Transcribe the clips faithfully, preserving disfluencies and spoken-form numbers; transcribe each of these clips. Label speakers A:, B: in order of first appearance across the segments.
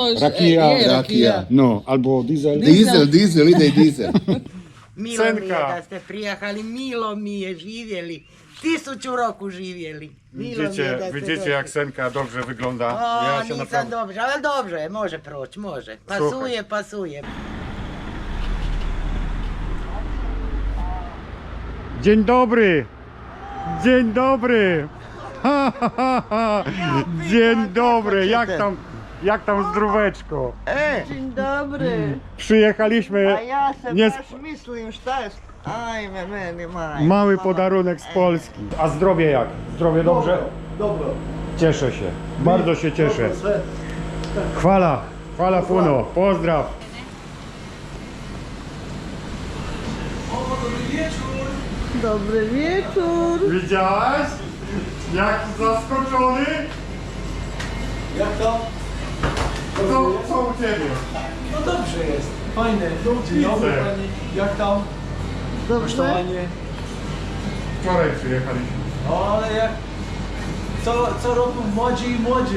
A: Rakija,
B: Je,
C: rakija.
A: no, albo diesel.
C: Dizel, dizel, ide i dizel.
B: Milo mi je
A: Senka.
B: da ste prijahali, milo mi je živjeli. Tisuću roku živjeli. Milo mi je
A: Widzicie,
B: da ste
A: widzicie
B: došli.
A: jak Senka dobrze wygląda.
B: O,
A: Ja się
B: nisam
A: naprawdę...
B: dobrze, ali dobrze, može proći, može. Pasuje, pasuje.
A: Dzień dobry! Dzień dobry! Ha, ha, ha, ha. Dzień dobry! Jak tam, jak tam zdróweczko?
D: Dzień dobry.
A: Przyjechaliśmy.
D: A ja se
A: nie
D: baš
A: sp-
D: mislim šta je... Ajme, meni maj.
A: Mały podarunek z Polski. A zdrowie jak? Zdrowie dobrze?
E: Dobro.
A: Cieszę się. Bardzo się cieszę. Chwala, chwala Puno. Pozdraw.
D: Dobry wieczór.
A: Widziałaś? Jak zaskoczony?
E: Jak to?
A: Co, co u ciebie?
E: No dobrze jest. Fajne. Dzień dobry pani. Jak tam?
D: Dobrze.
E: Kosztowanie.
A: Wczoraj przyjechaliśmy.
E: No ale jak... Co, co roku młodzi i młodzi.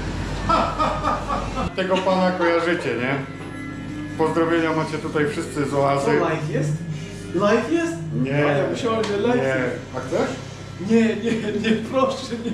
A: Tego pana kojarzycie, nie? Pozdrowienia macie tutaj wszyscy z
E: Co,
A: oazy.
E: live jest? Live jest?
A: Nie,
E: A ja myślałem, że live
A: nie.
E: jest.
A: A chcesz?
E: Nie, nie, nie, proszę, nie.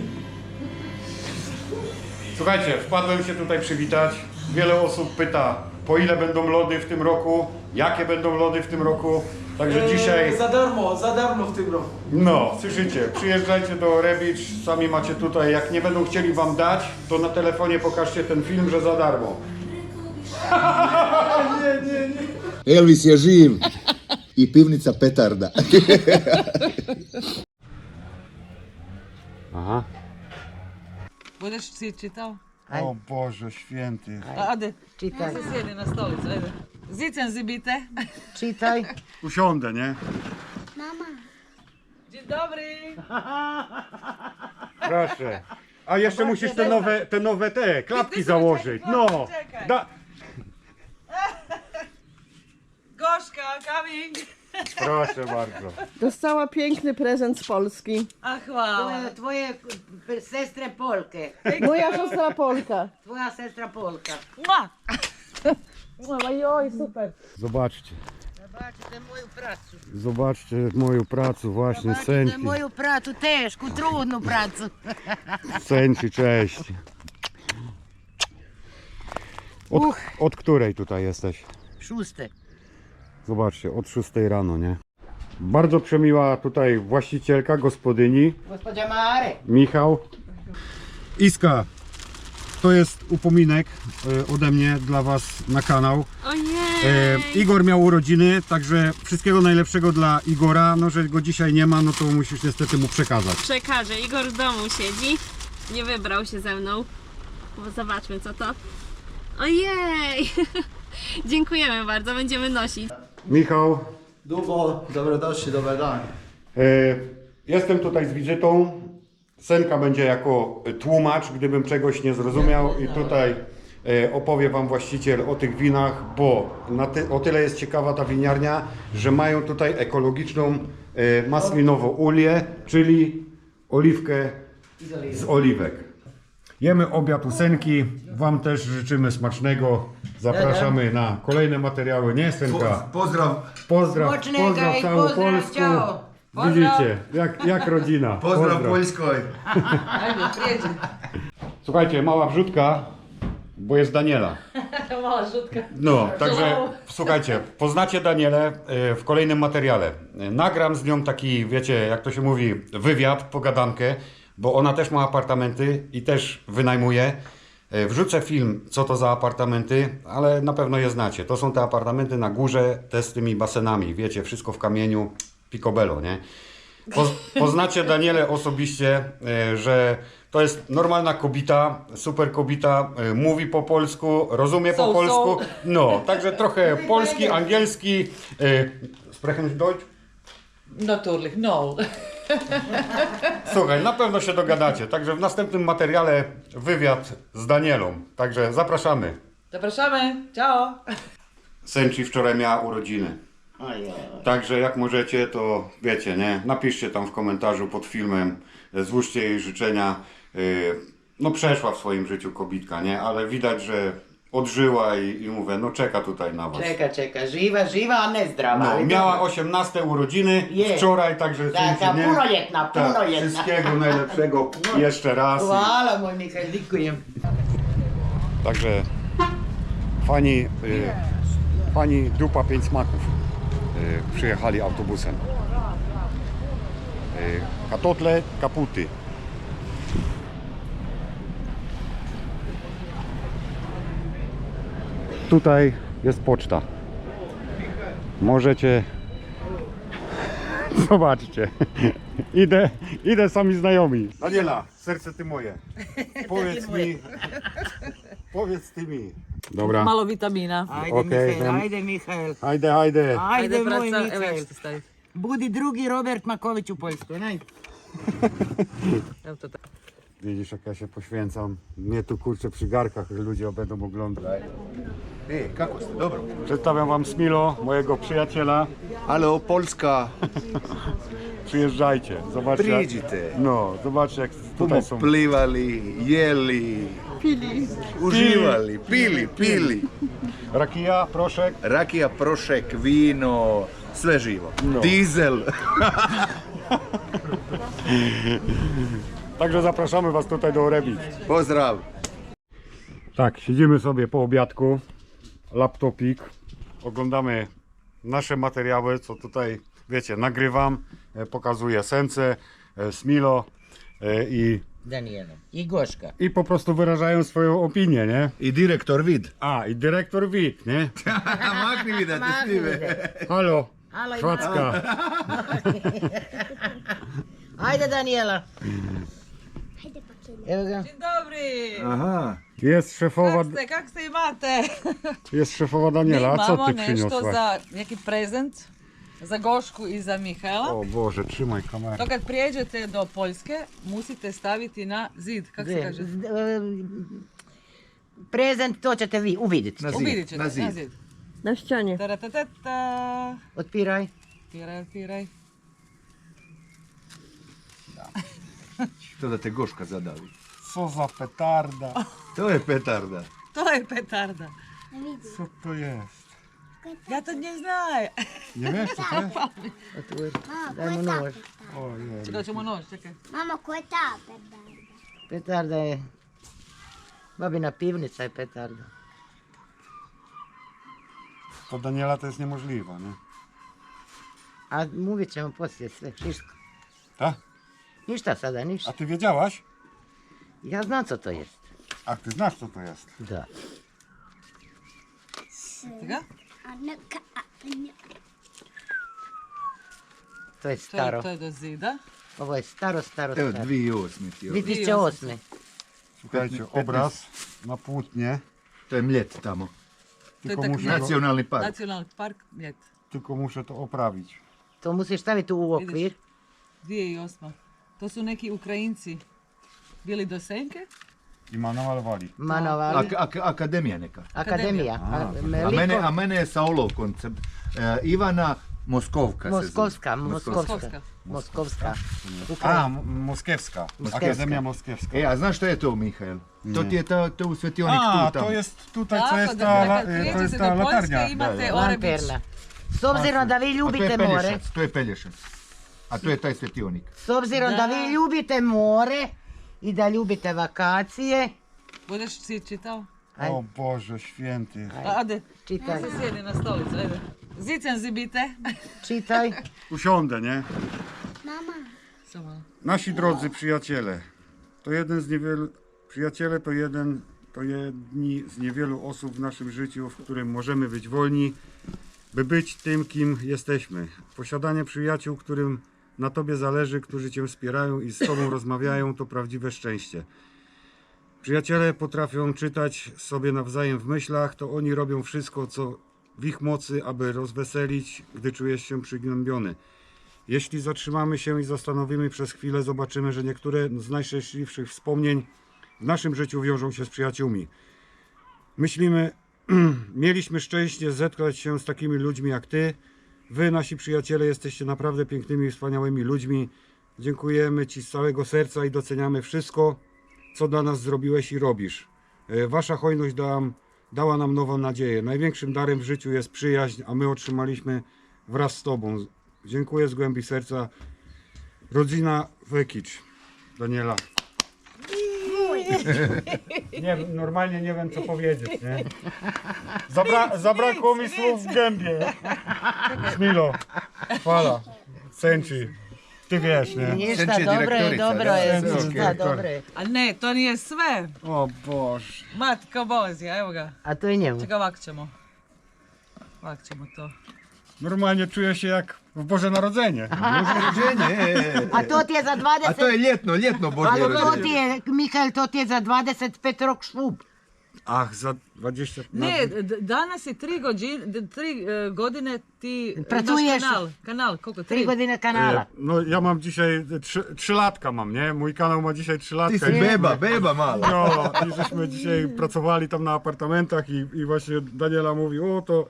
A: Słuchajcie, wpadłem się tutaj przywitać. Wiele osób pyta, po ile będą lody w tym roku, jakie będą lody w tym roku. Także
E: Eee,
A: dzisiaj,
E: Za darmo, za darmo w tym roku.
A: no, słyszycie, przyjeżdżajcie do Rebicz, sami macie tutaj, jak nie będą chcieli wam dać, to na telefonie pokażcie ten film, że za darmo.
E: Nie, nie, nie.
C: Elvis je živ i pivnica petarda.
A: Aha.
F: Budeš si čitao?
A: O Boże święty.
F: A, Ade,
B: Čitaj,
F: se sjedi na stolicu, ajde. Zicem si bite.
B: čitaj.
A: Usiądę, nie?
F: Dzień dobry.
A: Proszę. A jeszcze musisz te nowe, te nowe te klapki
F: Ty- ty-
A: założyć.
F: czekaj,
A: No.
F: czekaj.
A: Da.
F: Gorzka, coming.
A: Proszę bardzo.
D: Dostała piękny prezent z Polski.
F: A hvala.
B: Tvoje, tvoje sestre Polke.
D: Moja siostra Polka.
B: Tvoja sestra Polka.
F: Mua. Mua, joj, super.
A: Zobaczcie.
B: Zobačite moju pracu.
A: Zobaczcie moją pracę właśnie,
B: Zobačite
A: Senki.
B: moju pracu, tešku, trudnu pracu.
A: Senki, cześć. Od,
B: Uch.
A: od której tutaj jesteś?
B: Šuste.
A: Zobaczcie, od szóstej rano, nie? Bardzo przemiła tutaj właścicielka, gospodyni,
B: Gospođa Mare.
A: Michał. Iska, to jest upominek e, ode mnie dla was na kanał. E, Igor miał urodziny, także wszystkiego najlepszego dla Igora. No, że go dzisiaj nie ma, no to musisz niestety mu przekazać.
G: Przekażę. Igor w domu siedzi. Nie wybrał się ze mną. Bo zobaczmy co to. Ojej! Dziękujemy bardzo, będziemy nosić.
A: Michał,
E: Dubo, dobrodošli, dobar dan.
A: e, jestem tutaj z wizytą. Senka będzie jako tłumacz, gdybym czegoś nie zrozumiał, i tutaj e, opowie wam właściciel o tych winach, bo na ty, o tyle jest ciekawa ta winiarnia, że mają tutaj ekologiczną e, maslinową ulię, czyli oliwkę z oliwek. Jemy obiad u Senki, wam też życzymy smacznego, zapraszamy na kolejne materiały, nie Senka?
C: Pozdrav.
A: Pozdraw,
B: Smacznego
A: pozdraw
B: i
A: całą
B: pozdraw,
A: Polsku.
B: ciao.
A: Widzicie, jak, jak rodzina.
C: Pozdrav Poljskoj.
F: Ajde, prijeđi.
A: Słuchajcie, mała wrzutka, bo jest Daniela.
F: Mala žutka.
A: No, także słuchajcie, poznacie Danielę e, w kolejnym materiale. E, Nagram z nią taki, wiecie, jak to się mówi, wywiad, pogadankę, bo ona też ma apartamenty i też wynajmuje. E, Wrzucę film, co to za apartamenty, ale na pewno je znacie. To są te apartamenty na górze, te z tymi basenami, wiecie, wszystko w kamieniu, picobello, nie? Poz, poznacie Danielę osobiście, e, że to jest normalna kobieta, super kobieta, e, mówi po polsku, rozumie po
F: So,
A: polsku.
F: so.
A: No, także trochę polski, angielski. E, sprechen Deutsch?
F: Natuurlijk, no.
A: Słuchaj, na pewno się dogadacie. Także w następnym materiale wywiad z Danielą. Także zapraszamy.
F: Zapraszamy. Ciao.
A: Senci wczoraj miała urodziny. Także jak możecie, to wiecie, nie? Napiszcie tam w komentarzu pod filmem, złóżcie jej życzenia. Yy, No przeszła w swoim życiu kobitka, nie? Ale widać, że odżyła i, i mówię, no czeka tutaj na was.
B: Čeka, čeka, živa, živa, a ne zdrava.
A: No,
B: ali
A: miała
B: dobro.
A: osiemnaste urodziny
B: Je.
A: wczoraj, także
B: Taka
A: słuchajcie, nie?
B: punoljetna,
A: Tak,
B: punoljetna.
A: wszystkiego najlepszego jeszcze raz.
B: Hvala moj Mihajl, dikujem.
A: Także fani, y, fani Dupa Pięć Smaków y, przyjechali autobusem. Y, katotle, kaputy. Tutaj jest poczta. Możecie... Zobaczcie. Idę, idę sami znajomi. Daniela, serce ty moje. Powiedz mi... Powiedz ty mi. Dobra.
F: Malo vitamina.
B: Ajde
A: Okej,
B: Mihajl,
A: idem.
B: ajde Mihajl.
A: Hajde, hajde.
B: Ajde moj
F: braca, evo ja
B: Mihajl.
F: ću ti staviti.
B: Budi drugi Robert Maković u Poljskoj, naj.
F: Evo to tako.
A: Widzisz, jak ja się poświęcam. Mnie tu kurczę przy garkach ludzie będą oglądać.
C: E, kako ste? Dobro.
A: Przedstawiam wam Smilo, mojego przyjaciela.
C: Halo, Polska.
A: Przyjeżdżajcie, zobaczcie. jak-
C: Priđite.
A: No, zobaczcie jak
C: Puno
A: tutaj są.
C: plivali, jeli,
D: Pili.
C: uživali, pili, pili.
A: Rakija, proszek.
C: Rakija, prošek, vino, sve živo.
A: No.
C: Dizel.
A: Także zapraszamy was tutaj do Orebic.
C: Pozdrav.
A: Tak, siedzimy sobie po obiadku. Laptopik. Oglądamy nasze materiały, co tutaj, wiecie, nagrywam. e, Pokazuję Sence, e, Smilo e, i,
B: Daniela. I Goška.
A: i po prostu wyrażają swoją opinię, nie?
C: I direktor vid.
A: A, i dyrektor Wit, nie?
C: Makni vida, te snime.
A: Halo,
B: Halo,
A: Švacka.
B: Ajde Daniela. Evo ga.
F: Dzień dobry!
C: Aha.
A: Jest szefowa,
F: Kak ste, kak ste imate?
A: jest szefowa Daniela,
F: Mi
A: a co
F: imamo
A: ty
F: nešto
A: przyniosłaś?
F: za neki prezent za Gošku i za Mihajla.
A: O Boże, trzymaj kamerę.
F: To kad prijeđete do Poljske, musite staviti na zid, kak se
B: Gdje?
F: kaže?
B: Z- em, Prezent, to ćete vi uvidjeti.
C: Na zid.
F: Uvidit ćete,
C: Na zid.
F: na zid.
D: Na ścianie.
F: Taratatata.
B: Otpiraj.
F: Otpiraj, otpiraj.
C: To da te Goška zadavi.
A: Co za petarda.
C: To je petarda.
F: To je petarda.
A: Co to jest?
F: Ja to ne znam.
A: Nie wiesz co to jest?
B: Otvori. Daj mu nož.
A: Ojej.
F: Doćemo noć, čekaj.
H: Mama, ko je ta petarda?
B: Petarda je... Babina pivnica je petarda.
A: To Daniela to jest niemożliwe, nie?
B: A uvijek ćemo poslije sve, šiško.
A: Tak?
B: Ništa sada,
A: A
B: ništa.
A: ty wiedziałaś?
B: Ja znam co to jest.
A: A ty znasz co to jest?
B: Da.
F: Ga?
H: A neka, a neka.
B: To je
F: To je,
B: staro.
F: to je do zida.
B: Ovo je staro, staro,
C: Evo,
B: staro.
C: dvije osme ti je ovo.
B: dvije tisuće osme.
A: Słuchajcie, obraz na płótnie.
C: To je mljet tamo.
A: Tylko
F: tak
A: muszę, to,
C: Nacionalni park.
F: Nacionalni park Mljet.
A: tylko muszę to oprawić.
B: To musiš staviti u okvir.
F: dvije tisuće osma. To su neki Ukrajinci bili do Senke.
A: I ma namalowali.
B: Manovali.
C: Ak- ak- akademija neka.
B: Akademija. A,
C: A mene, a mene je sa olovkom. c- e, Ivana Moskovka se zove.
B: Moskovska, Moskovska.
F: Moskovska.
B: Moskovska.
A: A, M- Moskiewska.
B: Moskiewska.
A: Akademia Moskiewska.
C: E, a znaš što je to, Mihael? To ti je ta, to u svetionik
A: A,
C: tu tamo.
A: to jest tutaj, co
F: Tako
A: jest
F: da,
A: ta,
F: da
A: la-
F: kad
A: to jest
F: prijeđete
A: ta
F: do Poljske
A: latarnia.
F: imate Orebić.
B: Lanterna. S obzirom da vi
C: A to je
B: ljubite more,
C: Pelješac, to je Pelješac. A to je taj svetionik.
B: s obzirom da vi ljubite more i da ljubite vakacije,
F: Budeš si čitao?
B: Aj.
A: O Boże święty.
F: A, Ade,
B: čitaj,
F: se sjedi na stolicu, ajde. Zicen zibite.
B: čitaj.
A: Usiądę, nie?
H: Mama,
F: Samo malo.
A: Nasi drodzy przyjaciele, to jeden z niewielu, przyjaciele to jeden, to jedni z niewielu osób w naszym życiu, w którym możemy być wolni, by być tym, kim jesteśmy. Posiadanie przyjaciół, którym na tobie zależy, którzy cię wspierają i z tobą rozmawiają, to prawdziwe szczęście. Przyjaciele potrafią czytać sobie nawzajem w myślach, to oni robią wszystko, co w ich mocy, aby rozweselić, gdy czujesz się przygnębiony. Jeśli zatrzymamy się i zastanowimy przez chwilę, zobaczymy, że niektóre z najszczęśliwszych wspomnień w naszym życiu wiążą się z przyjaciółmi. Myślimy, mieliśmy szczęście zetknąć się z takimi ludźmi jak ty. Wy, nasi przyjaciele, jesteście naprawdę pięknymi i wspaniałymi ludźmi. Dziękujemy ci z całego serca i doceniamy wszystko, co dla nas zrobiłeś i robisz. E, Wasza hojność da nam dała nam nową nadzieję. Największym darem w życiu jest przyjaźń, a my otrzymaliśmy wraz z Tobą. Dziękuję z głębi serca. Rodzina Wekić. Daniela. Nie, normalnie nie wiem co powiedzieć, nie? Zabra zabrakło mi słów w gębie. Smilo, chwala, Senci. Ty wiesz, nie?
B: Ništa,
C: Senči je
B: dobro je,
C: direktorica,
B: dobro
C: da.
B: je,
A: Senči je
B: ništa,
A: direktor.
B: dobro je.
F: A ne, to nije sve.
A: O Boże.
F: Matko Bozja, evo ga.
B: A to je njemu.
F: Čekaj, ovak ćemo. Ovak ćemo to.
A: Normalnie czuję się jak w Boże Narodzenie.
C: Rođenje.
B: A to ti je za
C: A
B: dvadeset...
C: to je ljetno, ljetno Božje
B: Ali to
C: rođenje.
B: ti je, Mihael, to ti je za dvadeset pet rok švub.
A: Ach, za dwadzieścia...
F: Ne, d- danas je tri, gođi- d- tri e, godine ti imaš
B: Pracuješ.
F: kanal. Kanal, koliko?
B: Tri godine kanala.
A: No ja mam dzisiaj trzy, trzylatka mam, nie? Mój kanał ma dzisiaj
C: Ti
A: trzylatka.
C: si
A: I-
C: beba, beba mala.
A: No, i żeśmy dzisiaj pracowali tam na apartamentach i, i właśnie Daniela mówi, o to...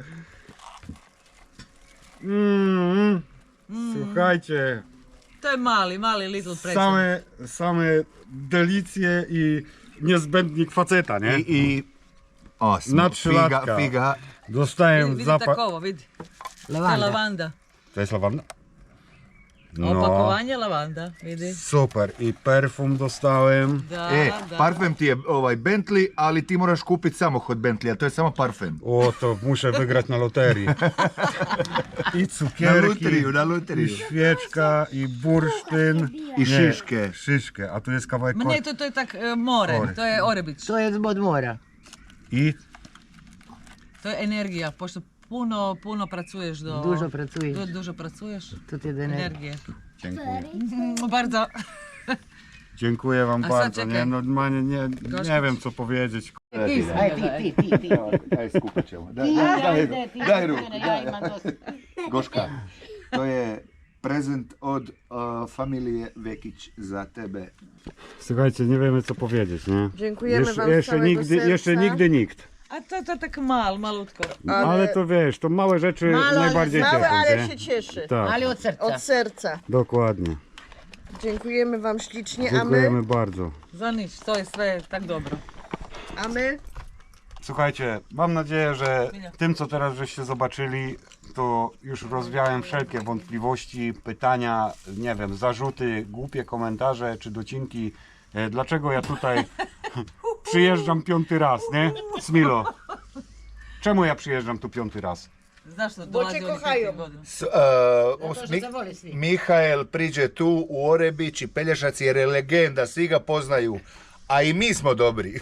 A: Mm, Słuchajcie,
F: To je mali, mali little present.
A: same, same delicje i niezbędnik faceta, nie?
C: I, i osmo,
A: Na
C: figa,
A: trzylatka.
C: figa.
A: Dostałem
F: Vidi
A: zapach...
F: tako ovo, vidi. To je
B: Lavanda.
F: lavanda.
A: To jest lawanda?
F: No. Opakovanje lavanda, vidi.
A: Super. I perfum dostałem.
F: Da,
C: E,
F: da.
C: parfem ti je ovaj Bentley, ali ti moraš kupiti samo kod Bentleya, to je samo parfem.
A: O, to muszę wygrać na loterii. I
C: Na
A: cukierki,
C: lutriju, na
A: i
C: lutriju.
A: świeczka, i bursztyn.
C: I
A: Nie,
C: šiške.
A: Szyszkę, a tu jest kawałek
F: Ma
A: kor-
F: ne, to, to je tak e, more,
A: More.
F: to je Orebić.
B: To je od mora.
A: I
F: To je energija, pošto puno, puno pracuješ do...
B: Dužo pracuješ.
F: Du, dužo pracuješ.
B: To ti je da ne...
F: Energije.
A: dziękuję.
F: Mm, Bardzo.
A: Dziękuję wam
F: A
A: bardzo.
F: czekaj.
A: Nie, normalnie nie, nie
F: Gorzko.
A: wiem co powiedzieć.
B: Aj, ti, ti, ti, ti.
C: Daj, skupit ćemo. Daj,
B: Ti,
C: daj,
B: daj,
C: daj,
B: ti,
C: daj
B: ti,
C: ruku.
B: ja
C: Daj.
B: imam dosta.
C: Goška, to je prezent od uh, familije Vekić za tebe.
A: Słuchajcie, nie wiemy co powiedzieć, nie?
D: Dziękujemy
A: Jeszcze,
D: wam z
A: jeszcze
D: całego
A: nigdy,
D: serca.
A: jeszcze nigdy nikt.
F: A to, to tak mal, malutko.
A: Ale, to wiesz, to małe rzeczy
B: Malo, ale
A: najbardziej
D: Małe,
A: cieszą,
D: ale
A: nie?
D: się cieszy.
A: Tak,
B: Ali od srca.
D: Od serca.
A: dokładnie.
D: Dziękujemy wam ślicznie, a my,
A: Dziękujemy bardzo.
F: Za nič, to je sve tak dobro.
D: a my
A: Słuchajcie, mam nadzieję, że tym, co teraz żeście zobaczyli, to już rozwiałem wszelkie wątpliwości, pytania, nie wiem, zarzuty, głupie komentarze czy docinki. E, Dlaczego ja tutaj przyjeżdżam piąty raz, nie? Smilo. Czemu ja przyjeżdżam tu piąty raz?
F: Znaš što
D: Bo
F: dolazi
D: te
F: oni
D: kohaju.
F: peti godina.
C: S, uh,
B: Zato što
C: Mi-
B: se voli svi.
C: Mihael priđe tu u Orebić i Pelješac jer je legenda, svi ga poznaju. A i mi smo dobri.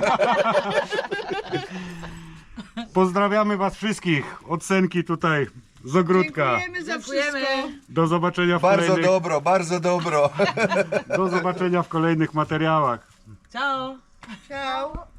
A: Pozdrawiamy was wszystkich od Senki tutaj z ogródka.
D: dziękujemy za
F: Dziękujemy.
D: wszystko.
A: Do zobaczenia w
C: Bardzo
A: kolejnych,
C: dobro, bardzo dobro.
A: do zobaczenia w kolejnych materiałach.
F: Ćao.
D: Ciao.